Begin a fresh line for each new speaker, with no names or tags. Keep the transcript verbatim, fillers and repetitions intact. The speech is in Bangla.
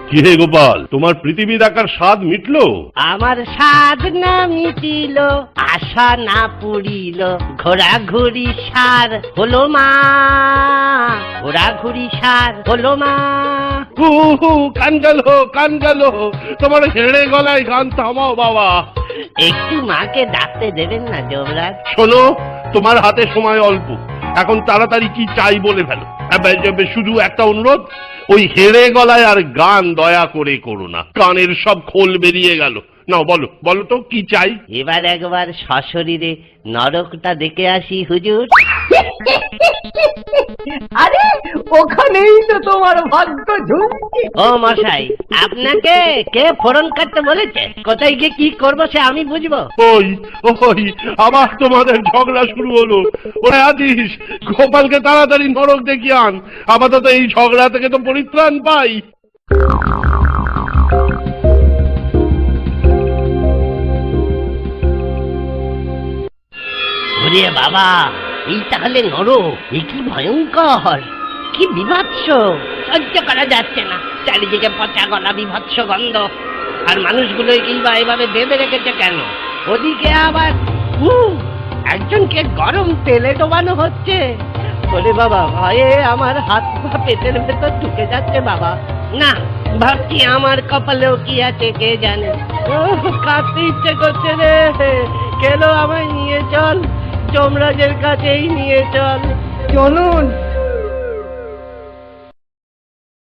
কি হে গোপাল, তোমার পৃথিবী দেখার স্বাদ মিটলো?
আমার স্বাদ না মিটিল, আশা না পুরিল, ঘোরাঘুরি সার হলো মা, ঘোরাঘুরি সার হলো মা।
হু হু, কান গেল কান গেল, তোমার হেড়ে গলায় গান থামাও বাবা।
একটু মাকে ডাকতে দেবেন না যমরাজ?
শোনো, তোমার হাতে সময় অল্প, এখন তাড়াতাড়ি কি চাই বলে ফেলো। শুধু একটা অনুরোধ, ওই হেড়ে গলায় আর গান দয়া করে করো না, কানের সব খোল বেরিয়ে গেল। নাও বলো বলো তো কি চাই।
এবার একবার সশরীরে নরকটা দেখে আসি হুজুর।
আরে ওখানেই তো তোমার ভাগ্য ঝুঁকছে।
ও মশাই, আপনাকে কে ফোড়ন কাটতে বলেছে? কোথায় গিয়ে কি করবো সে আমি বুঝবো?
ওই ওই আবার তোমাদের ঝগড়া শুরু হলো। ওরে আদিস, গোপালকে তাড়াতাড়ি নরক দেখিয়ে আন, আপাতত এই ঝগড়া থেকে তো পরিত্রাণ পাই।
ওরে বাবা, এই তাহলে নরক! এ কি ভয়ঙ্কর, কি বিভৎস! সহ্য করা যাচ্ছে না, চারিদিকে পচা গলা বিভৎস গন্ধ। আর মানুষগুলো কিংবা এভাবে বেঁধে রেখেছে কেন? ওদিকে আবার উহ, একজনকে গরম তেলে ডোবানো হচ্ছে। ওরে বাবা, ভয়ে আমার হাত পা পেটের ভেতর ঢুকে যাচ্ছে বাবা। না, ভাবছি আমার কপালেও কি আছে কে জানে। ও কাঁদতে ইচ্ছে করছে রে, কেন আমায় নিয়ে চল, যমরাজের কাছেই নিয়ে চল।
চলুন